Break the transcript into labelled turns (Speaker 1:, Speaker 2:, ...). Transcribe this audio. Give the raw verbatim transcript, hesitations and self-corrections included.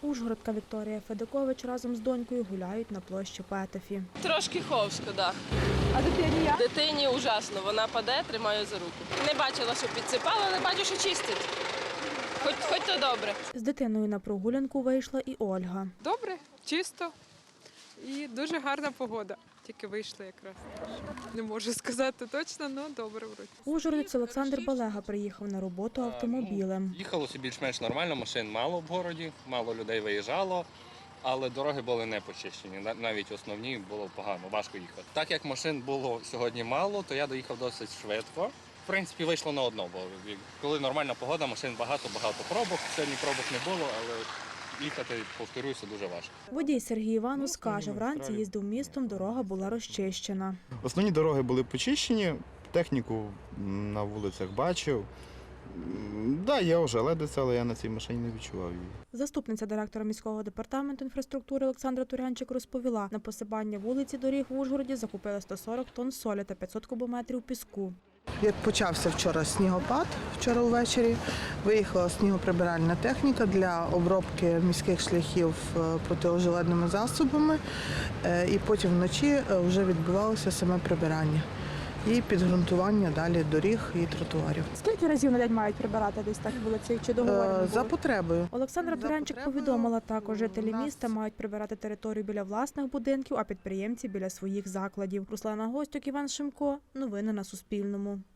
Speaker 1: Ужгородка Вікторія Федикович разом з донькою гуляють на площі Петефі.
Speaker 2: Трошки ховсько, так.
Speaker 1: А дитині як?
Speaker 2: Дитині ужасно, вона паде, тримаю за руку. Не бачила, що підсипала, але бачу, що чистить. Хоч, хоч то добре.
Speaker 1: З дитиною на прогулянку вийшла і Ольга.
Speaker 3: Добре, чисто і дуже гарна погода. Тільки вийшли якраз. Не можу сказати точно, але добре вроді.
Speaker 1: Ужгородець Олександр Балега приїхав на роботу автомобілем.
Speaker 4: Їхалося більш-менш нормально, машин мало в городі, мало людей виїжджало, але дороги були не почищені, навіть основні було погано, важко їхати. Так як машин було сьогодні мало, то я доїхав досить швидко. В принципі, вийшло на одно, бо коли нормальна погода, машин багато, багато пробок. Сьогодні пробок не було, але їхати, повторюся, дуже важко.
Speaker 1: Водій Сергій Іванус каже, вранці їздив містом, дорога була розчищена.
Speaker 5: Основні дороги були почищені, техніку на вулицях бачив. Так, да, є ожеледиця, але я на цій машині не відчував її.
Speaker 1: Заступниця директора міського департаменту інфраструктури Олександра Турянчик розповіла, на посипання вулиці доріг в Ужгороді закупили сто сорок тонн солі та п'ятсот кубометрів піску.
Speaker 6: Як почався вчора снігопад, вчора ввечері, виїхала снігоприбиральна техніка для обробки міських шляхів протиожеледними засобами, і потім вночі вже відбувалося саме прибирання і підґрунтування далі доріг і тротуарів.
Speaker 1: Скільки разів на день мають прибирати десь так вулиці? Чи договорено?
Speaker 6: За потребою.
Speaker 1: Олександра Турянчик повідомила також, жителі міста мають прибирати територію біля власних будинків, а підприємці біля своїх закладів. Руслана Гостюк, Іван Шимко. Новини на Суспільному.